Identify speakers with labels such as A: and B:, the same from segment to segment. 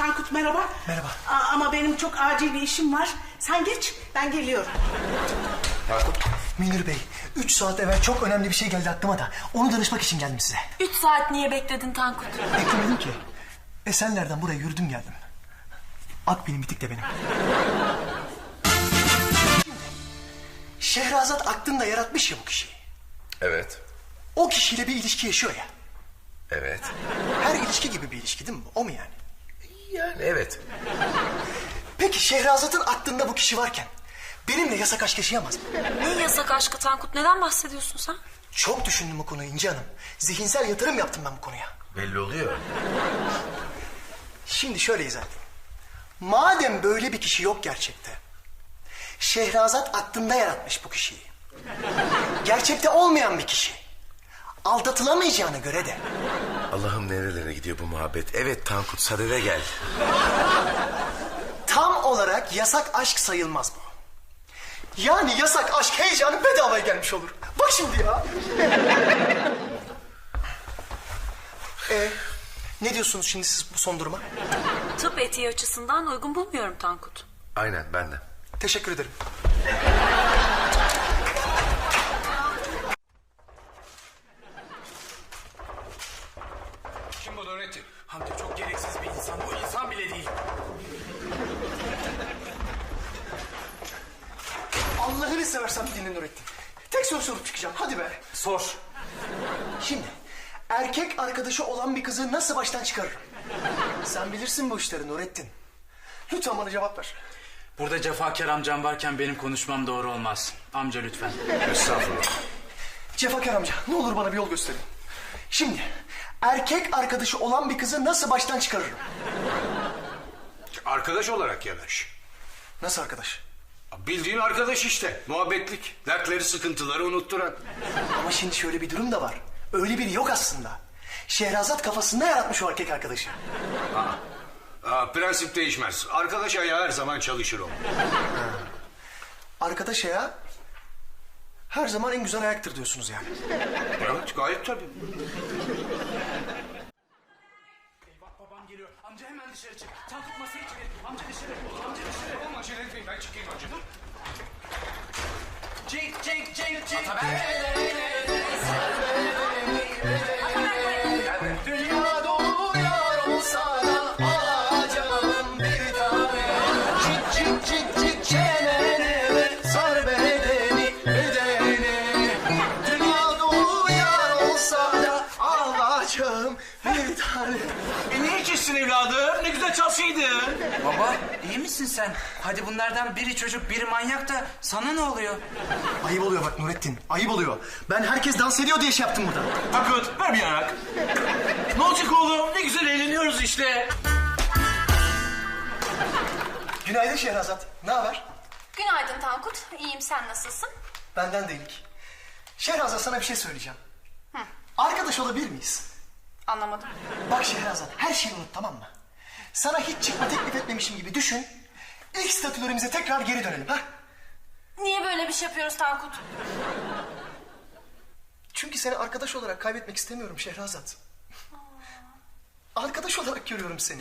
A: Tankut merhaba.
B: Merhaba.
A: Ama benim çok acil bir işim var. Sen geç, ben geliyorum.
B: Tankut. Münir Bey, 3 saat evvel çok önemli bir şey geldi aklıma da onu danışmak için geldim size.
C: 3 saat niye bekledin Tankut?
B: Beklemedim ki. Esenler'den buraya yürüdüm geldim. Akbil'in bitik de benim. Şehrazat aklında yaratmış ya bu kişiyi.
D: Evet.
B: O kişiyle bir ilişki yaşıyor ya.
D: Evet.
B: Her ilişki gibi bir ilişki değil mi? O mu yani?
D: Yani evet.
B: Peki Şehrazat'ın aklında bu kişi varken benimle yasak aşk yaşayamaz mı?
C: Ne yasak aşkı Tankut? Neden bahsediyorsun sen?
B: Çok düşündüm bu konuyu İnci Hanım. Zihinsel yatırım yaptım ben bu konuya.
D: Belli oluyor.
B: Şimdi şöyle izah edeyim. Madem böyle bir kişi yok gerçekte, Şehrazat aklında yaratmış bu kişiyi. Gerçekte olmayan bir kişi. Aldatılamayacağına göre de.
D: Allah'ım nerelere gidiyor bu muhabbet. Evet Tankut, sadede gel.
B: Tam olarak yasak aşk sayılmaz bu. Yani yasak aşk heyecanı bedavaya gelmiş olur. Bak şimdi ya. Ne diyorsunuz şimdi siz bu son duruma?
C: Tıp etiği açısından uygun bulmuyorum Tankut.
D: Aynen, ben de.
B: Teşekkür ederim.
E: Kim bu Nurettin? Hamdi çok gereksiz bir insan. Bu insan bile değil.
B: Allah'ını seversen dinle Nurettin. Tek soru sorup çıkacağım. Hadi be.
E: Sor.
B: Şimdi erkek arkadaşı olan bir kızı nasıl baştan çıkarırım? Sen bilirsin bu işleri Nurettin. Lütfen bana cevap ver.
E: Burada cefakar amcam varken benim konuşmam doğru olmaz. Amca lütfen.
D: Estağfurullah.
B: Cefakar amca ne olur bana bir yol gösterin. Şimdi erkek arkadaşı olan bir kızı nasıl baştan çıkarırım?
F: Arkadaş olarak yanaş.
B: Nasıl arkadaş?
F: Bildiğin arkadaş işte. Muhabbetlik. Dertleri, sıkıntıları unutturan.
B: Ama şimdi şöyle bir durum da var. Öyle biri yok aslında. Şehrazat kafasında yaratmış o erkek arkadaşı.
F: Prensip değişmez. Arkadaş ayağı her zaman çalışır o.
B: Arkadaş ya her zaman en güzel ayaktır diyorsunuz yani.
F: Evet, gayet tabii.
E: Eyvah, babam geliyor. Amca hemen dışarı çık. Tankut masayı çevir. Amca dışarı. Amca dışarı.
F: Tamam, acele etmeyin, ben çıkayım önce.
E: Cik.
B: Dünya dolu yar olsa da alacağım bir tane. Cik çenene sar bedeni. Dünya dolu yar olsa da alacağım bir tane.
F: Niye içişsin evladım? Ne güzel çalsaydın.
G: Baba iyi misin sen? Hadi bunlardan biri çocuk biri manyak da sana ne oluyor?
B: Ayıp oluyor bak Nurettin, ayıp oluyor. Ben herkes dans ediyor diye şey yaptım burada.
F: Tankut, ver bir yanak. Ne olacak oğlum? Ne güzel eğleniyoruz işte.
B: Günaydın Şehrazat, ne haber?
H: Günaydın Tankut. İyiyim, sen nasılsın?
B: Benden de iyilik. Şehrazat sana bir şey söyleyeceğim. Arkadaş olabilir miyiz?
H: Anlamadım.
B: Bak Şehrazat, her şeyi unut tamam mı? Sana hiç çıkma teklif etmemişim gibi düşün. İlk statülerimize tekrar geri dönelim ha?
H: Niye böyle bir şey yapıyoruz Tankut?
B: Çünkü seni arkadaş olarak kaybetmek istemiyorum Şehrazat. Arkadaş olarak görüyorum seni.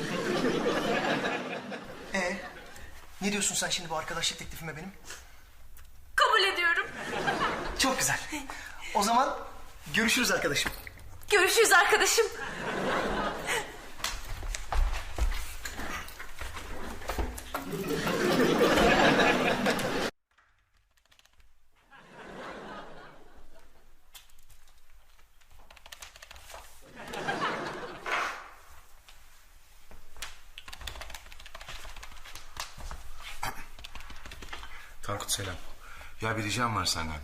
B: Ne diyorsun sen şimdi bu arkadaşlık teklifime benim?
H: Kabul ediyorum.
B: Çok güzel. O zaman görüşürüz arkadaşım.
H: Görüşürüz arkadaşım.
D: Tankut selam. Ya bir ricam var senden.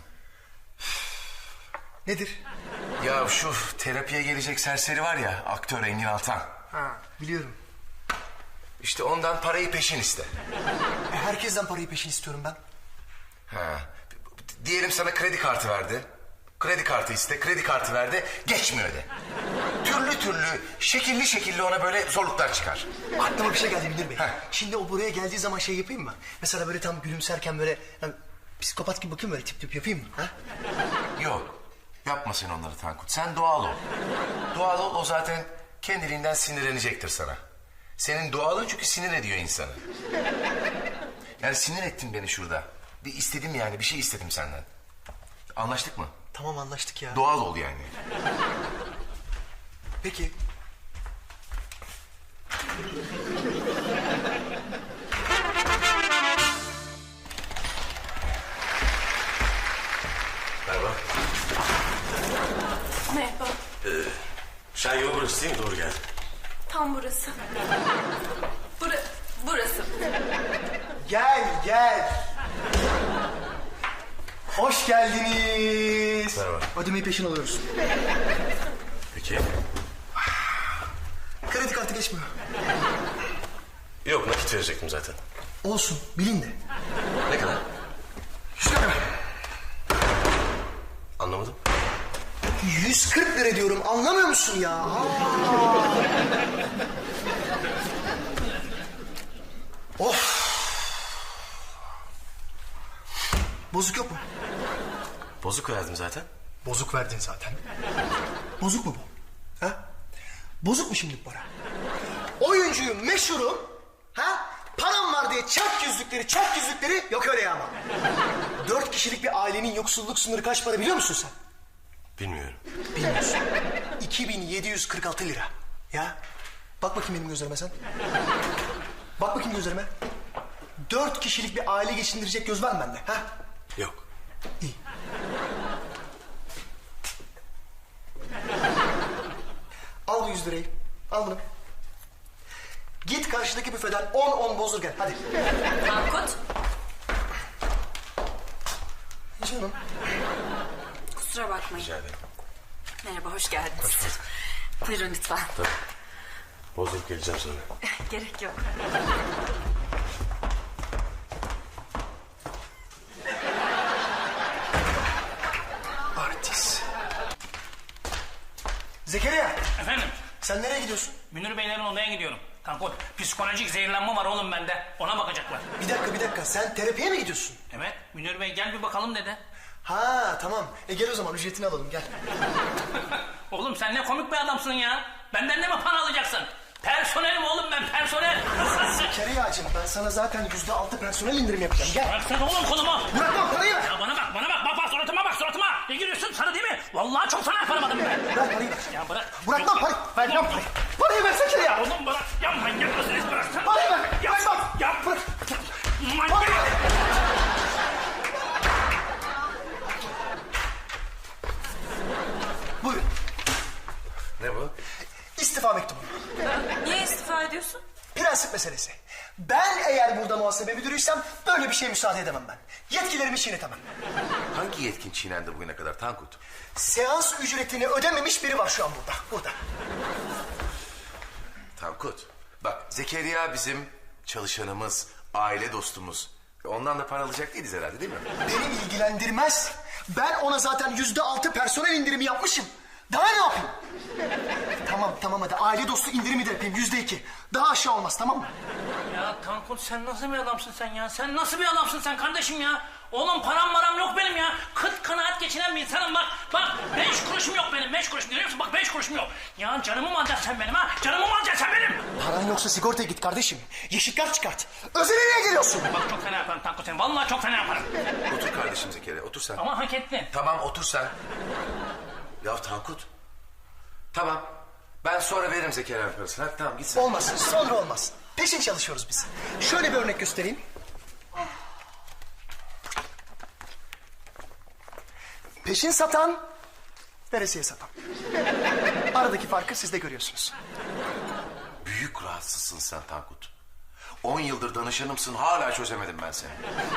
B: Nedir?
D: Ya şu terapiye gelecek serseri var ya, aktör Engin Altan.
B: Ha, biliyorum.
D: İşte ondan parayı peşin iste.
B: Herkesten parayı peşin istiyorum ben.
D: Ha. Diyelim sana kredi kartı verdi. Kredi kartı iste, kredi kartı verdi, geçmiyor de. Türlü şekilli ona böyle zorluklar çıkar.
B: Aklıma bir şey geldi Münir Bey.
D: Heh.
B: Şimdi o buraya geldiği zaman şey yapayım mı? Mesela böyle tam gülümserken böyle yani, psikopat gibi bakayım böyle tip yapayım mı? Ha?
D: Yok, yapma sen onları Tankut. Sen doğal ol. Doğal ol, o zaten kendiliğinden sinirlenecektir sana. Senin doğalın çünkü sinir ediyor insanı. Yani sinir ettin beni şurada. Bir istedim yani, bir şey istedim senden. Anlaştık mı?
B: Tamam anlaştık ya.
D: Doğal ol yani.
B: Peki.
I: Merhaba.
H: Merhaba.
I: Şen yolu burası değil mi? Doğru geldi.
H: Tam burası. Burası.
B: Gel. Hoş geldiniz.
I: Merhaba.
B: Ödemeyi peşin alıyoruz.
I: Peki.
B: Kredi kartı geçmiyor.
I: Yok, nakit verecektim zaten.
B: Olsun, bilin de.
I: Ne kadar?
B: 100 lira.
I: Anlamadım.
B: 140 lira diyorum, anlamıyor musun ya? Of. Bozuk yok mu?
I: Bozuk verdim zaten.
B: Bozuk verdin zaten. Bozuk mu bu? Ha? Bozuk mu şimdi bu para? Oyuncuyum, meşhurum. Ha? Param var diye çak yüzlükleri yok öyle ya ama. 4 kişilik bir ailenin yoksulluk sınırı kaç para biliyor musun sen?
I: Bilmiyorum.
B: Bilmiyorsun. 2746 lira. Ya bak bakayım benim gözlerime sen. Bak bakayım gözlerime. 4 kişilik bir aile geçindirecek göz var mı bende? Ha?
I: Yok.
B: İyi. Al bu 100 lirayı. Al bunu. Git karşıdaki büfeden 10 bozdur gel. Hadi.
C: Tankut,
B: Canım.
C: kusura bakmayın.
I: Rica ederim.
C: Merhaba, hoş geldiniz. Buyurun lütfen.
I: Bozdurup geleceğim sonra.
C: Gerek yok.
B: Artist. Zekeriya.
E: Efendim?
B: Sen nereye gidiyorsun?
E: Münir Beylerin odaya gidiyorum. Tankut, psikolojik zehirlenme var oğlum bende. Ona bakacaklar.
B: Bir dakika. Sen terapiye mi gidiyorsun?
E: Evet, Münir Bey gel bir bakalım dedi.
B: Ha tamam. Gel o zaman ücretini alalım gel.
E: Oğlum sen ne komik bir adamsın ya. Benden de mi para alacaksın? Personelim oğlum ben, personel.
B: Zekeriya'cığım ben sana zaten %6 personel indirim yapacağım. Gel.
E: Bıraksana oğlum kolumu.
B: Bırakmam parayı ver.
E: Ya bana bak. Bak suratıma. Ne gülüyorsun sana değil mi? Vallahi çok fena yaparım adamı ben.
B: Bırak parayı ver.
E: Ya bırak.
B: Bırakmam parayı. Vermem parayı. Parayı ver Zekeriya.
E: Oğlum bırak. Ya manyak mısınız? Bıraksana.
B: Parayı ver.
E: Ya,
B: Bırakmam.
E: ya
B: Bırak.
E: manyak.
B: Buyurun.
I: Ne bu?
B: İstifa mektubu.
C: Niye istifa ediyorsun?
B: Prensip meselesi. Ben eğer burada muhasebe müdürüysem böyle bir şeye müsaade edemem ben. Yetkilerimi çiğnetemem.
D: Hangi yetkin çiğnendi bugüne kadar Tankut?
B: Seans ücretini ödememiş biri var şu an burada.
D: Tankut, bak Zekeriya bizim çalışanımız, aile dostumuz. Ondan da para alacak değiliz herhalde değil mi?
B: Beni ilgilendirmez. Ben ona zaten %6 personel indirimi yapmışım. Daha ne yapayım? Tamam hadi aile dostu indirimi de yapayım %2. Daha aşağı olmaz tamam mı?
E: Ya Tankut sen nasıl bir adamsın sen ya? Sen nasıl bir adamsın sen kardeşim ya? Oğlum param yok benim ya. Kıt kanaat geçinen bir insanım bak. Bak 5 kuruşum yok benim. 5 kuruş görüyor musun? Bak 5 kuruşum yok. Ya canımı mı alacaksın sen benim ha? Canımı mı alacaksın sen benim?
B: Paran yoksa sigortaya git kardeşim. Yeşil kart çıkart. Özele niye geliyorsun?
E: Bak çok fena yaparım Tankut seni. Vallahi çok fena yaparım.
D: Otur kardeşim Zekeriya, otur sen.
E: Ama hak ettin.
D: Tamam, otur sen. Ya Tankut. Tamam. Ben sonra veririm Zekeriya'nın parasını. Hadi tamam git sen.
B: Olmaz sonra olmaz. Peşin çalışıyoruz biz. Şöyle bir örnek göstereyim. Peşin satan, veresiye satan. Aradaki farkı siz de görüyorsunuz.
D: Büyük rahatsızsın sen Tankut. 10 yıldır danışanımsın, hala çözemedim ben seni.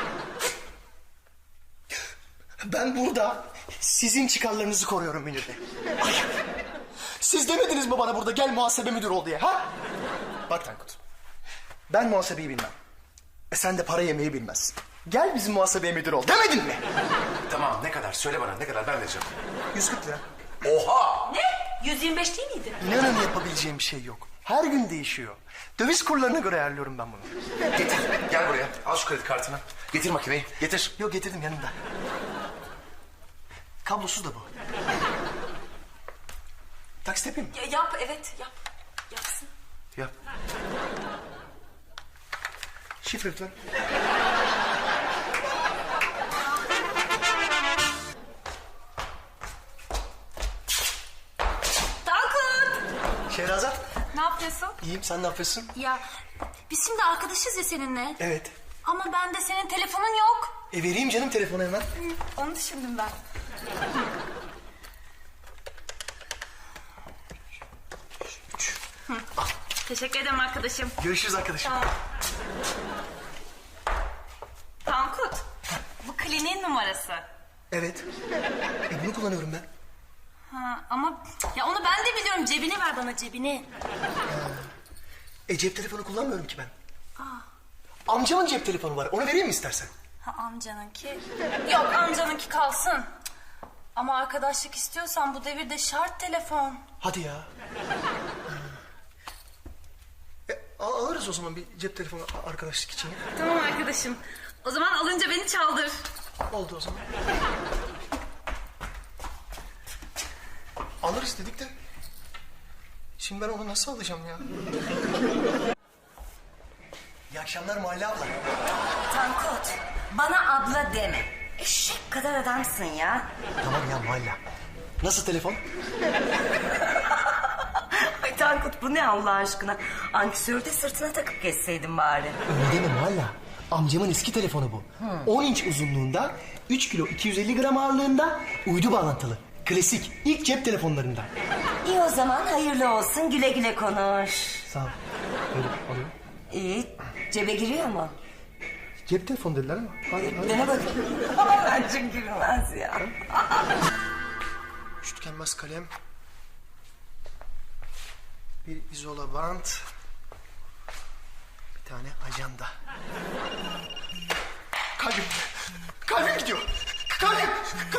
B: Ben burada sizin çıkarlarınızı koruyorum Münir Bey. Ay, siz demediniz mi bana burada gel muhasebe müdürü ol diye ha? Bak Tankut, ben muhasebeyi bilmem. Sen de para yemeyi bilmezsin. Gel bizim muhasebeye müdür ol demedin mi?
D: Tamam, ne kadar? Söyle bana, ne kadar? Ben vereceğim.
B: 140 lira.
D: Oha!
C: Ne? 125 değil miydi?
B: İnanın yapabileceğim bir şey yok. Her gün değişiyor. Döviz kurlarına göre ayarlıyorum ben bunu.
D: Getir, gel buraya. Al şu kredi kartını. Getir makineyi, getir.
B: Yok getirdim yanımda. Kablosuz da bu. Taksit yapayım mı?
C: Yap, evet yap. Yapsın.
I: Yap.
B: Şifre lütfen.
H: Tankut!
B: Şehrazat.
H: Ne yapıyorsun?
B: İyiyim, sen ne yapıyorsun?
H: Ya biz şimdi arkadaşız ya seninle.
B: Evet.
H: Ama bende senin telefonun yok.
B: Vereyim canım telefonu hemen.
H: Onu düşündüm ben. Teşekkür ederim arkadaşım.
B: Görüşürüz arkadaşım.
H: Tankut, bu kliniğin numarası.
B: Evet. Bunu kullanıyorum ben.
H: Ha, ama ya onu ben de biliyorum. Cebini ver bana, cebini.
B: Cep telefonu kullanmıyorum ki ben. Amcamın cep telefonu var. Onu vereyim mi istersen?
H: Ha, amcanınki. Yok, amcanınki kalsın. Ama arkadaşlık istiyorsan bu devirde şart telefon.
B: Hadi ya. Alırız o zaman bir cep telefonu arkadaşlık için.
H: Tamam arkadaşım. O zaman alınca beni çaldır.
B: Oldu o zaman. Alırız dedik de. Şimdi ben onu nasıl alacağım ya? İyi akşamlar Muhalle abla.
J: Tankut, bana abla deme. Eşek kadar adamsın ya.
B: Tamam ya Muhalle. Nasıl telefon?
J: Ay Tankut, bu ne Allah aşkına? Ankesörü de sırtına takıp geçseydin bari.
B: Öyle deme Muhalle. Amcamın eski telefonu bu. 10 inç uzunluğunda, 3 kilo 250 gram ağırlığında, uydu bağlantılı. Klasik, ilk cep telefonlarından.
J: İyi o zaman, hayırlı olsun, güle güle konuş.
B: Sağ ol. Böyle oluyor.
J: İyi, cebe giriyor mu?
B: Cep telefonu dediler ama. Hadi.
J: Dene bakayım. Bence girmez ya.
B: Üç tükenmez kalem. Bir izola bant. Bir tane ajanda. Kalbim. Kalbim gidiyor. Kalbim.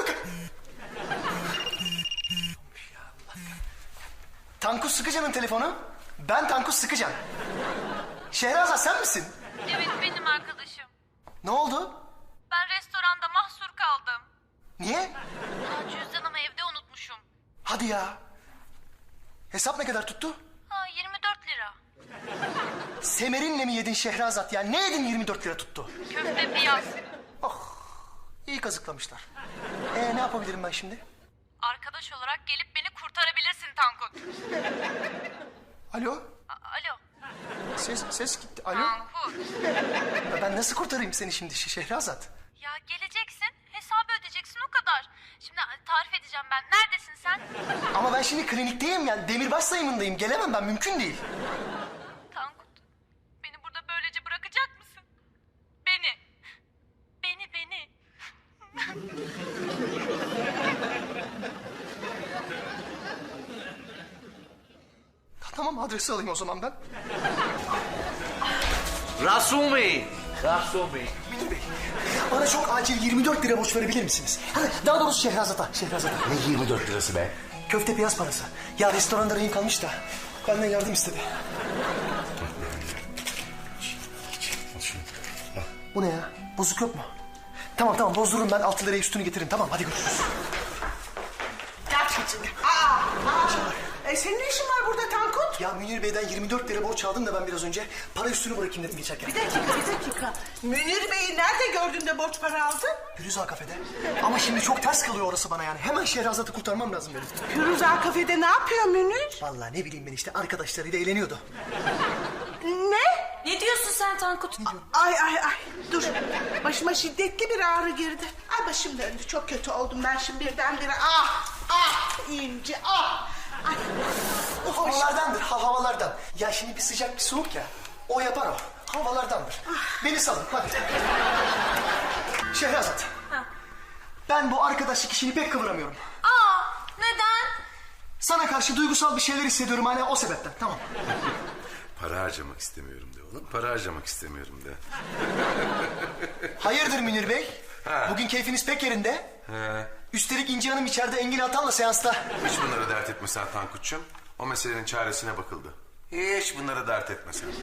B: Tankut Sıkıcan'ın telefonu. Ben Tankut Sıkıcan. Şehrazat sen misin?
H: Evet, benim arkadaşım.
B: Ne oldu?
H: Ben restoranda mahsur kaldım.
B: Niye?
H: Ya cüzdanımı evde unutmuşum.
B: Hadi ya. Hesap ne kadar tuttu?
H: Ha, 24 lira.
B: Semerinle mi yedin Şehrazat ya? Ne yedin 24 lira tuttu?
H: Köfte piyaz.
B: İyi kazıklamışlar. Ne yapabilirim ben şimdi?
H: Arkadaş olarak gelip beni kurtarabilirsin Tankut.
B: Alo?
H: Alo.
B: Ses gitti. Alo?
H: Tankut.
B: Ben nasıl kurtarayım seni şimdi Şehrazat?
H: Ya geleceksin, hesabı ödeyeceksin, o kadar. Şimdi tarif edeceğim ben. Neredesin sen?
B: Ama ben şimdi klinikteyim yani. Demirbaş sayımındayım. Gelemem ben. Mümkün değil.
H: Tankut, beni burada böylece bırakacak mısın? Beni. Beni.
B: Tamam adresi alayım o zaman ben.
F: Rasul Bey. Rasul Bey.
B: Münir Bey, bana çok acil 24 lira borç verebilir misiniz? Daha doğrusu Şehrazat'a.
I: Ne 24 lirası be?
B: Köfte piyaz parası. Ya restoranda rehin kalmış da. Benden yardım istedi.
I: Al şunu.
B: Bu ne ya? Bozuk yok mu? Tamam bozdururum ben 6 liraya üstünü getiririm. Tamam hadi görüşürüz.
A: Gel çocuğum. Senin ne işin var burada Tankut?
B: Ya Münir Bey'den 24 lira borç aldım da ben biraz önce. Para üstünü bırakayım dedim geçerken.
A: Bir dakika. Münir Bey'i nerede gördün de borç para aldın?
B: Firuze kafede. Ama şimdi çok ters kalıyor orası bana yani. Hemen Şehrazat'ı kurtarmam lazım benim.
A: Firuze kafede ne yapıyor Münir?
B: Vallahi ne bileyim ben işte arkadaşlarıyla eğleniyordu.
A: Ne?
C: Ne diyorsun sen Tankut?
A: Ay dur. Başıma şiddetli bir ağrı girdi. Ay başım döndü, çok kötü oldum ben şimdi birdenbire. İnci Ay.
B: Havalardandır havalardan. Ya şimdi bir sıcak bir soğuk ya. O yapar o. Havalardandır. Beni salın hadi. Şehrazat. Ben bu arkadaşlık işini pek kıvıramıyorum.
H: Neden?
B: Sana karşı duygusal bir şeyler hissediyorum hala o sebepten. Tamam.
I: Para harcamak istemiyorum de oğlum. Para harcamak istemiyorum de.
B: Hayırdır Münir Bey? Bugün keyfiniz pek yerinde. Üstelik İnci Hanım içeride Engin Altan'la seansta.
I: Hiç bunları dert etme sen Tankut'cum. O meselenin çaresine bakıldı. Hiç bunları dert etme sen.